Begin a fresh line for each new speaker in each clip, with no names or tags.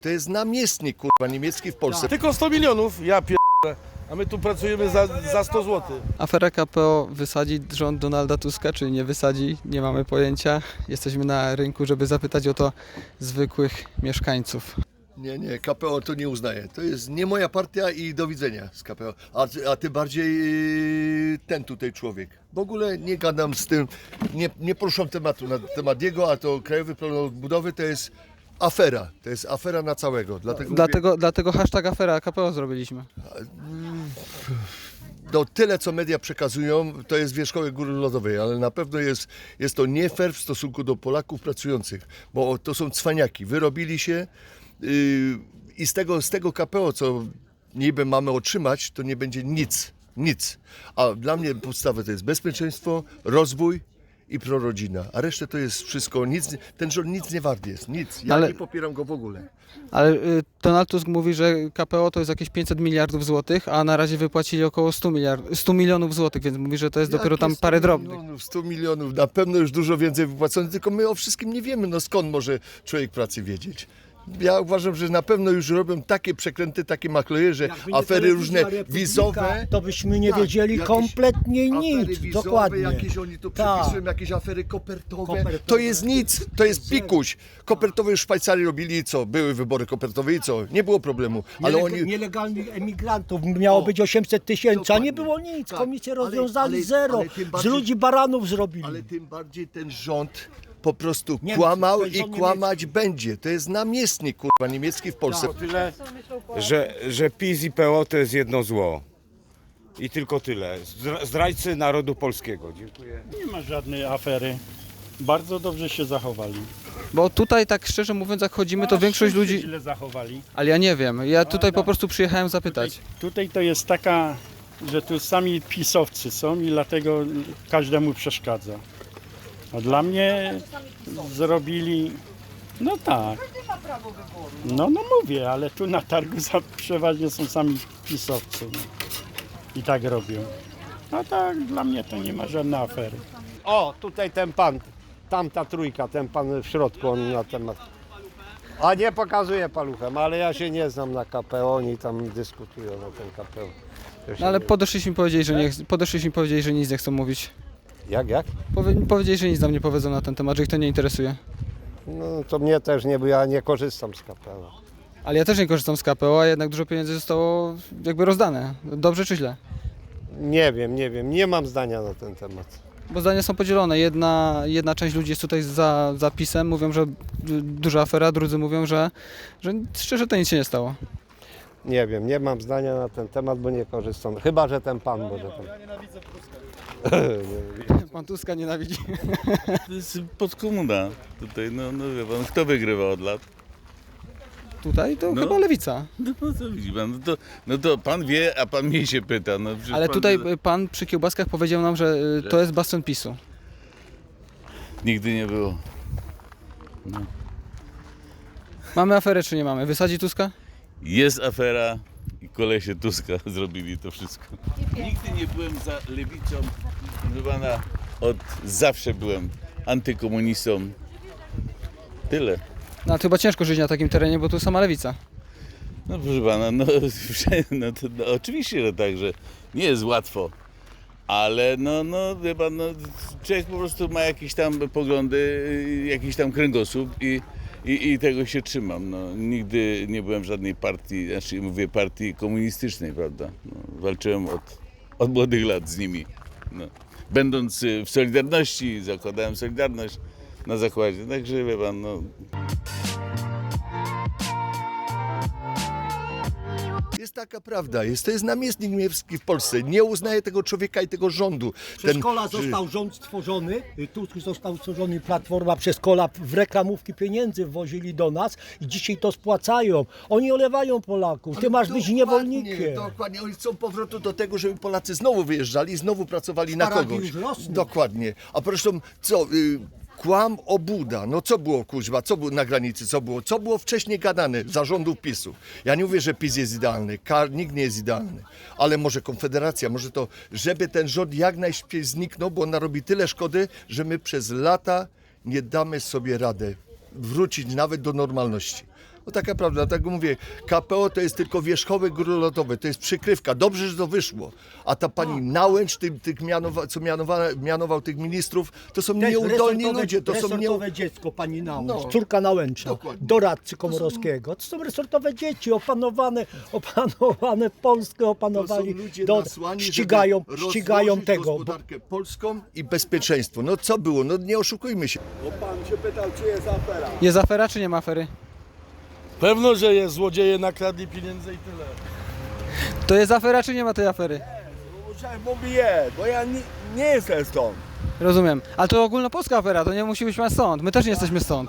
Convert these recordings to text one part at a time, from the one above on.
To jest namiestnik, kurwa, niemiecki w Polsce.
Tylko 100 milionów, ja pierdolę, a my tu pracujemy za 100 zł.
Afera KPO wysadzi rząd Donalda Tuska, czy nie wysadzi? Nie mamy pojęcia. Jesteśmy na rynku, żeby zapytać o to zwykłych mieszkańców.
Nie, KPO to nie uznaje. To jest nie moja partia i do widzenia z KPO. A tym bardziej ten tutaj człowiek. W ogóle nie gadam z tym, nie poruszam tematu na temat jego, a to Krajowy Plan Odbudowy to jest afera. To jest afera na całego.
Dlatego hashtag afera KPO zrobiliśmy.
Tyle, co media przekazują, to jest wierzchołek góry lodowej, ale na pewno jest to nie fair w stosunku do Polaków pracujących, bo to są cwaniaki. Wyrobili się i z tego KPO, co niby mamy otrzymać, to nie będzie nic. A dla mnie podstawa to jest bezpieczeństwo, rozwój i prorodzina, a resztę to jest wszystko, ten rząd nic nie wart jest, nic. Ja nie popieram go w ogóle.
Ale Donald Tusk mówi, że KPO to jest jakieś 500 miliardów złotych, a na razie wypłacili około 100 milionów złotych, więc mówi, że to jest dopiero tam parę drobnych.
100 milionów, na pewno już dużo więcej wypłacone, tylko my o wszystkim nie wiemy, no skąd może człowiek pracy wiedzieć. Ja uważam, że na pewno już robią takie przekręty, takie maklejerze, afery różne wizowe.
To byśmy nie wiedzieli kompletnie nic.
Wizowe,
Dokładnie.
jakieś oni tu przepisują, jakieś afery kopertowe. To jest nic, to jest pikuś. Kopertowe już w Szwajcarii robili i co? Były wybory kopertowe i co? Nie było problemu. Ale oni...
Nielegalnych emigrantów miało być 800 tysięcy, a nie było nic.
Tak,
Komisję rozwiązali zero.
ale tym
Z
bardziej-
ludzi baranów zrobili.
Ale tym bardziej ten rząd po prostu
Niemcy,
kłamał
to jest
i
rząd
kłamać będzie. To jest namiestnik, kurwa, niemiecki w Polsce.
Tyle, że PiS i PO to jest jedno zło. I tylko tyle. Zdrajcy narodu polskiego. Dziękuję.
Nie ma żadnej afery. Bardzo dobrze się zachowali.
Bo tutaj tak szczerze mówiąc, jak chodzimy, to większość
Wszyscy
ludzi...
źle zachowali.
Ale ja nie wiem, ja tutaj po prostu przyjechałem zapytać.
Tutaj to jest taka, że tu sami pisowcy są i dlatego każdemu przeszkadza. A dla mnie zrobili, no tak. No mówię, ale tu na targu przeważnie są sami pisowcy. No. I tak robią. A tak, dla mnie to nie ma żadnej afery.
O, tutaj ten pan, tamta trójka, ten pan w środku, on na temat. A nie pokazuje paluchem, ale ja się nie znam na KPO, oni tam dyskutują na ten KPO.
No ale podeszliśmy i powiedzieli, że nic nie chcą mówić.
Jak?
Powiedzieli, że nic nam nie powiedzą na ten temat, że ich to nie interesuje.
No to mnie też nie, bo ja nie korzystam z KPO.
Ale ja też nie korzystam z KPO, a jednak dużo pieniędzy zostało jakby rozdane. Dobrze czy źle?
Nie wiem, nie mam zdania na ten temat.
Bo zdania są podzielone. Jedna część ludzi jest tutaj za PiS-em, mówią, że duża afera, drudzy mówią, że szczerze to nic się nie stało.
Nie wiem, nie mam zdania na ten temat, bo nie korzystam. Chyba, że ten pan może tam. Ja nienawidzę Tuska.
Pan Tuska nienawidzi.
To jest podkomuna tutaj, no wie pan, kto wygrywa od lat?
Tutaj to
No.
chyba lewica.
No to widzi pan, no to pan wie, a pan mnie się pyta. No, przecież
Ale
pan,
tutaj pan przy kiełbaskach powiedział nam, że to jest bastion PiS-u.
Nigdy nie było.
Mamy aferę czy nie mamy? Wysadzi Tuska?
Jest afera i kolesie Tuska zrobili to wszystko. Nigdy nie byłem za lewicą, proszę pana, od zawsze byłem antykomunistą. Tyle.
No to chyba ciężko żyć na takim terenie, bo tu sama lewica.
No proszę pana, no oczywiście, że tak, że nie jest łatwo, ale no wie pan, no, człowiek po prostu ma jakieś tam poglądy, jakiś tam kręgosłup i tego się trzymam. No, nigdy nie byłem w żadnej partii, znaczy mówię partii komunistycznej, prawda. No, walczyłem od młodych lat z nimi. No. Będąc w Solidarności, zakładałem Solidarność na zakładzie, także wie pan, no.
Jest taka prawda, to jest namiestnik niemiecki w Polsce. Nie uznaje tego człowieka i tego rządu.
Przez kola został rząd stworzony, Tusk został stworzony, Platforma przez kola w reklamówki pieniędzy wwozili do nas i dzisiaj to spłacają. Oni olewają Polaków, ty masz być niewolnikiem.
Dokładnie, oni chcą powrotu do tego, żeby Polacy znowu wyjeżdżali, znowu pracowali na
Szparagi
kogoś.
już rosną.
Dokładnie. A zresztą co, kłam obuda, no co było kuźwa, co było na granicy, co było wcześniej gadane za rządów PiS-u. Ja nie mówię, że PiS jest idealny, nikt nie jest idealny, ale może Konfederacja, może to, żeby ten rząd jak najszybciej zniknął, bo on narobi tyle szkody, że my przez lata nie damy sobie radę wrócić nawet do normalności. No taka prawda, tak mówię, KPO to jest tylko wierzchołek góry lodowej, to jest przykrywka, dobrze, że to wyszło. A ta pani Nałęcz, co mianował tych ministrów, to są nieudolni ludzie, to są
resortowe dziecko pani Nałęcz,
No.
córka Nałęcza,
Dokładnie.
doradcy Komorowskiego. To są resortowe dzieci, opanowane Polskę, opanowali,
ludzie nasłani, żeby
ścigają
rozłożyć
tego.
gospodarkę polską i bezpieczeństwo. No co było? No nie oszukujmy się.
Jest afera czy nie ma afery?
Pewno, że jest, złodzieje nakradli pieniędzy i tyle.
To jest afera czy nie ma tej afery?
Mówię, bo ja nie jestem stąd.
Rozumiem. Ale to ogólnopolska afera, to nie musi być stąd. My też nie jesteśmy stąd.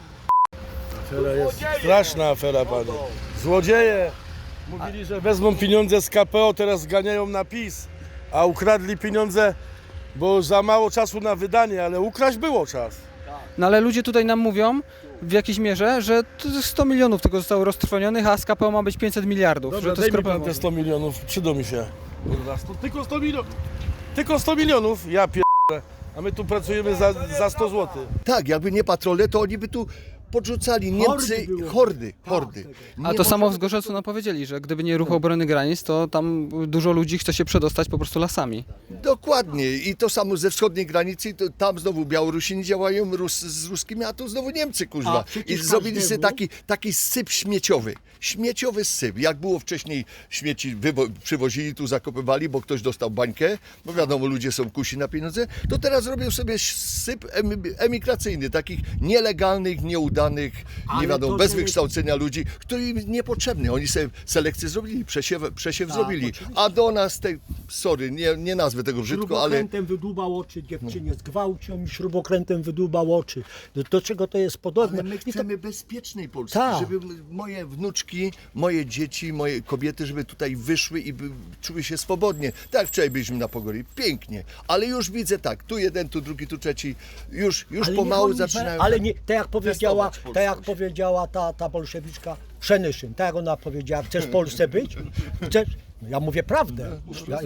Afera jest straszna afera, panie. Złodzieje mówili, że wezmą pieniądze z KPO, teraz zganiają na PiS, a ukradli pieniądze, bo za mało czasu na wydanie, ale ukraść było czas.
No ale ludzie tutaj nam mówią w jakiejś mierze, że to 100 milionów tylko zostało roztrwonionych, a z KPO ma być 500 miliardów.
Dobra,
że to
daj
jest
mi pan te 100 milionów, przydał mi się. Kurwa, tylko 100 milionów. Tylko 100 milionów, ja pierdolę. A my tu pracujemy za 100 zł.
Tak, jakby nie patrole, to oni by tu podrzucali Niemcy,
było.
hordy.
A to samo w Zgorzelcu nam powiedzieli, że gdyby nie ruch obrony granic, to tam dużo ludzi chce się przedostać po prostu lasami.
Dokładnie. I to samo ze wschodniej granicy, to tam znowu Białorusini działają z ruskimi, a tu znowu Niemcy, kurwa.
A przecież
I zrobili sobie
każdemu-
taki syp śmieciowy. Śmieciowy syp. Jak było wcześniej, śmieci przywozili, tu zakopywali, bo ktoś dostał bańkę, bo wiadomo, ludzie są kusi na pieniądze, to teraz robią sobie syp emigracyjny, takich nielegalnych, nieudanych,
Ale
nie wiadomo,
to,
bez
że-
wykształcenia ludzi, którym niepotrzebny. Oni sobie selekcję zrobili, przesiew zrobili.
oczywiście.
A do nas, sorry, nie nazwę tego brzydko, ale
Śrubokrętem wydłubał oczy dziewczynie, zgwałcił i śrubokrętem wydłubał oczy. Do czego to jest podobne?
Ale my
I to-
chcemy bezpiecznej Polski,
Tak.
żeby moje wnuczki, moje dzieci, moje kobiety, żeby tutaj wyszły i czuły się swobodnie. Tak jak wczoraj byliśmy na Pogori, pięknie, ale już widzę tak, tu jeden, tu drugi, tu trzeci, już
Ale
pomału
niech oni
zaczynają.
Ale nie, tak jak powiedziała,
testować
tak jak
polskość.
powiedziała ta bolszewiczka Przemyszyn, tak jak ona powiedziała, chcesz w Polsce być? Chcesz? No ja mówię prawdę.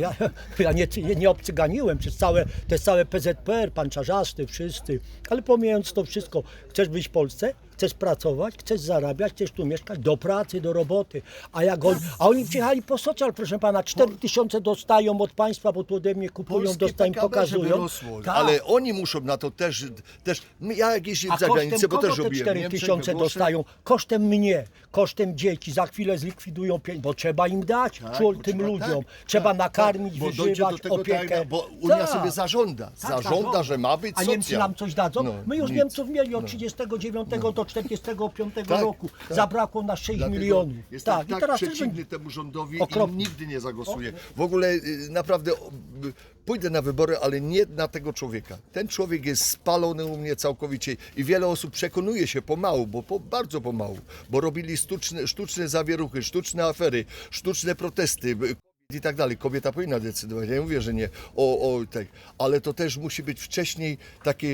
Ja nie obcyganiłem przez to jest całe PZPR, pan Czarzasty, wszyscy. Ale pomijając to wszystko, chcesz być w Polsce? Chcesz pracować, chcesz zarabiać, chcesz tu mieszkać, do pracy, do roboty. A oni przyjechali po socjal, proszę pana, 4000 dostają od państwa, bo tu ode mnie kupują,
Polskie
dostają,
PKB, żeby
pokazują.
rosło.
Tak.
Ale oni muszą na to też ja jak jeździłem
A
za
kosztem
granicę, bo
kogo
też
te
robiłem
4000 dostają? Kosztem mnie, kosztem dzieci. Za chwilę zlikwidują pieniądze, bo trzeba im dać, tym
trzeba,
ludziom.
tak,
Trzeba
tak,
nakarmić,
bo dojdzie
wyżywać,
do tego,
opiekę.
tak, bo Unia
Tak.
sobie zażąda, że ma być
A
socjal.
Niemcy nam coś dadzą?
No,
My już
nic.
Niemców mieli od 39 do 45
Tak,
roku.
tak.
Zabrakło na 6
Dlatego
milionów.
Jestem
Tak,
tak
i teraz też
przeciwny
będzie.
temu rządowi
Okropnie.
i nigdy nie zagłosuję. W ogóle naprawdę pójdę na wybory, ale nie na tego człowieka. Ten człowiek jest spalony u mnie całkowicie i wiele osób przekonuje się pomału, bardzo pomału, bo robili sztuczne zawieruchy, sztuczne afery, sztuczne protesty. I tak dalej. Kobieta powinna decydować. Ja nie mówię, że nie. Tak. Ale to też musi być wcześniej takie,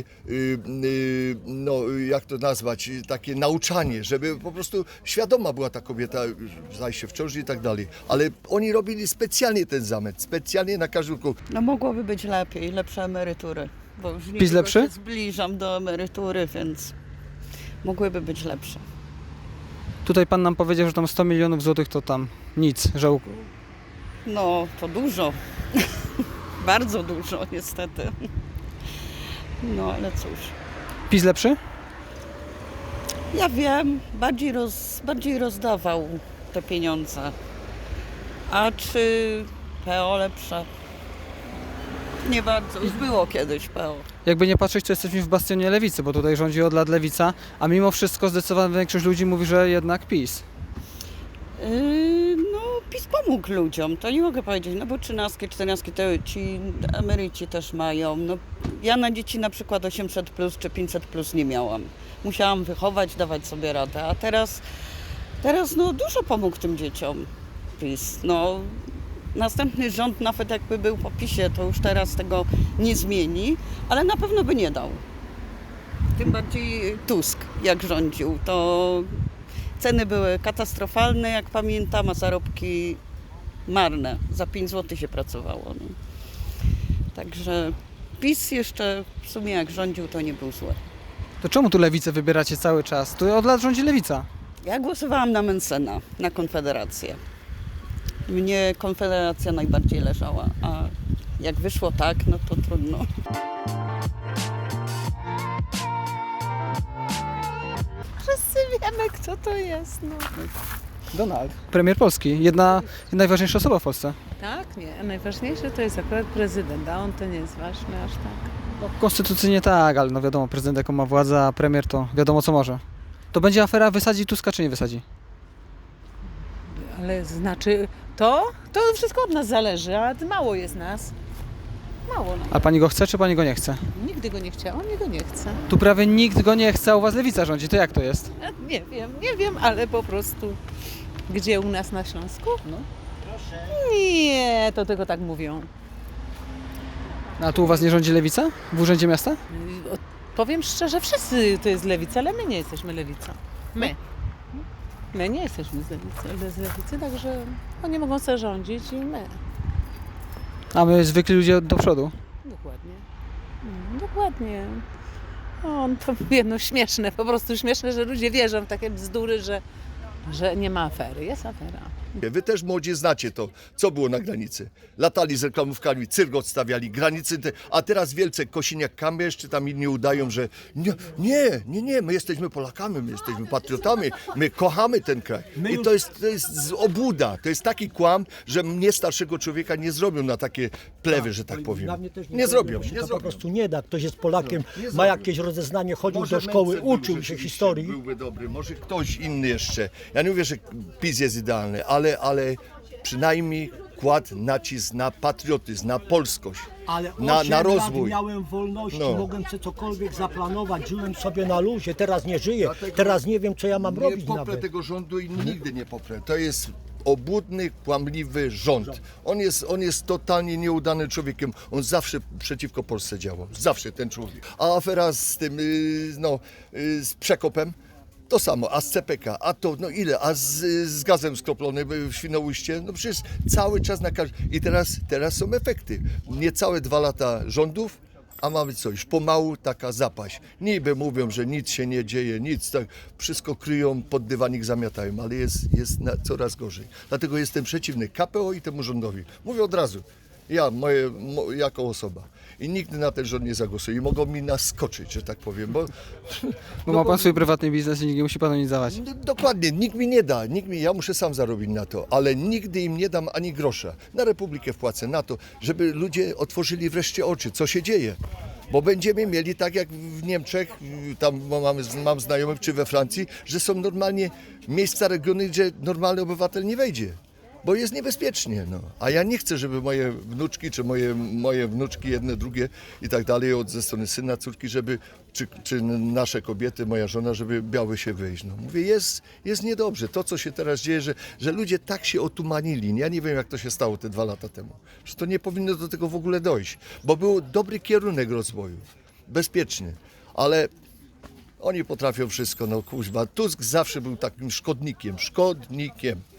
jak to nazwać, takie nauczanie, żeby po prostu świadoma była ta kobieta, zajście w ciąży i tak dalej. Ale oni robili specjalnie ten zamęt, specjalnie na każdym kroku.
No mogłoby być lepiej, lepsze emerytury, bo już
PiS
niedługo
lepszy?
się zbliżam do emerytury, więc mogłyby być lepsze.
Tutaj pan nam powiedział, że tam 100 milionów złotych to tam nic, że
No to dużo, bardzo dużo niestety. No ale cóż,
PiS lepszy?
ja wiem, bardziej rozdawał te pieniądze. A czy PO lepsze? Nie bardzo, już było kiedyś PO.
Jakby nie patrzeć, to jesteśmy w bastionie lewicy, bo tutaj rządzi od lat lewica, a mimo wszystko zdecydowana większość ludzi mówi, że jednak PiS.
No PiS pomógł ludziom, to nie mogę powiedzieć, no bo 13, 14 to ci emeryci też mają. No, ja na dzieci na przykład 800 plus czy 500 plus nie miałam. Musiałam wychować, dawać sobie radę, a teraz no dużo pomógł tym dzieciom PiS. No, następny rząd nawet jakby był po PiSie, to już teraz tego nie zmieni, ale na pewno by nie dał. Tym bardziej Tusk jak rządził, to ceny były katastrofalne, jak pamiętam, a zarobki marne. Za 5 zł się pracowało. No. Także PiS jeszcze w sumie jak rządził, to nie był zły.
To czemu tu lewicę wybieracie cały czas? Tu od lat rządzi lewica.
Ja głosowałam na Mencena, na Konfederację. Mnie Konfederacja najbardziej leżała, a jak wyszło tak, no to trudno.
Wszyscy wiemy, kto to jest. No.
Donald. Premier Polski, jedna najważniejsza osoba w Polsce.
Tak, nie. Najważniejsze to jest akurat prezydent, a on to nie jest ważny aż tak.
No, konstytucyjnie tak, ale no wiadomo, prezydent jaką ma władzę, a premier to wiadomo co może. To będzie afera, wysadzi Tuska czy nie wysadzi?
Ale znaczy, to wszystko od nas zależy, a mało jest nas. Mało nam.
A pani go chce czy pani go nie chce?
Nigdy go nie chciałam, nie go nie chcę.
Tu prawie nikt go nie chce, a u was lewica rządzi, to jak to jest?
Nie wiem, ale po prostu. Gdzie u nas na Śląsku? No. Nie, to tylko tak mówią.
A tu u was nie rządzi lewica? W urzędzie miasta?
Powiem szczerze, wszyscy to jest lewica, ale my nie jesteśmy lewicą. My. My nie jesteśmy z lewicy, także oni mogą sobie rządzić i my.
A my zwykli ludzie do przodu.
Dokładnie. Dokładnie. O, to jedno śmieszne, po prostu śmieszne, że ludzie wierzą w takie bzdury, że nie ma afery. Jest afera.
Wy też młodzi znacie to, co było na granicy. Latali z reklamówkami, cyrk odstawiali, granicy, a teraz wielce Kosiniak-Kamysz czy tam inni udają, że nie, my jesteśmy Polakami, my jesteśmy patriotami, my kochamy ten kraj. I to jest obłuda, to jest taki kłam, że mnie starszego człowieka nie zrobią na takie plewy, że tak powiem.
Dla mnie też
Nie zrobią,
się
nie
to
zrobią.
po prostu nie da. Ktoś jest Polakiem,
Nie
ma
zrobią.
jakieś rozeznanie, chodził
Może
do szkoły,
Mencen był
uczył się
rzeczywiście,
historii.
Byłby dobry, może ktoś inny jeszcze. Ja nie mówię, że PiS jest idealny, ale przynajmniej kładł nacisk na patriotyzm, na polskość,
Ale
na rozwój.
lat miałem wolności,
No.
mogłem sobie cokolwiek zaplanować, żyłem sobie na luzie, teraz nie żyję,
Dlatego
teraz nie wiem, co ja mam
Nie
robić
poprę
nawet.
tego rządu i nigdy nie poprę. To jest obłudny, kłamliwy rząd. On jest totalnie nieudanym człowiekiem. On zawsze przeciwko Polsce działał. Zawsze ten człowiek. A afera z tym, z Przekopem, to samo, a z CPK, a to, no ile, a z gazem skroplonym w Świnoujście, no przecież cały czas na każdym. I teraz są efekty. Niecałe 2 lata rządów, a mamy coś, pomału taka zapaść. Niby mówią, że nic się nie dzieje, nic, tak, wszystko kryją, pod dywanik zamiatają, ale jest coraz gorzej. Dlatego jestem przeciwny KPO i temu rządowi. Mówię od razu, ja, jako osoba. I nigdy na ten rząd nie zagłosuję i mogą mi naskoczyć, że tak powiem, bo...
Bo ma pan swój prywatny biznes i nikt nie musi panu nic dawać.
Dokładnie, nikt mi nie da, ja muszę sam zarobić na to, ale nigdy im nie dam ani grosza. Na Republikę wpłacę, na to, żeby ludzie otworzyli wreszcie oczy, co się dzieje. Bo będziemy mieli tak jak w Niemczech, tam mam znajomych, czy we Francji, że są normalnie miejsca, regiony, gdzie normalny obywatel nie wejdzie. Bo jest niebezpiecznie, no. A ja nie chcę, żeby moje wnuczki, czy moje wnuczki, jedne, drugie i tak dalej, ze strony syna, córki, żeby, czy nasze kobiety, moja żona, żeby miały się wyjść. No. Mówię, jest niedobrze. To, co się teraz dzieje, że ludzie tak się otumanili. Ja nie wiem, jak to się stało te 2 lata temu. Że to nie powinno do tego w ogóle dojść. Bo był dobry kierunek rozwoju. Bezpieczny. Ale oni potrafią wszystko, no kuźba. Tusk zawsze był takim szkodnikiem.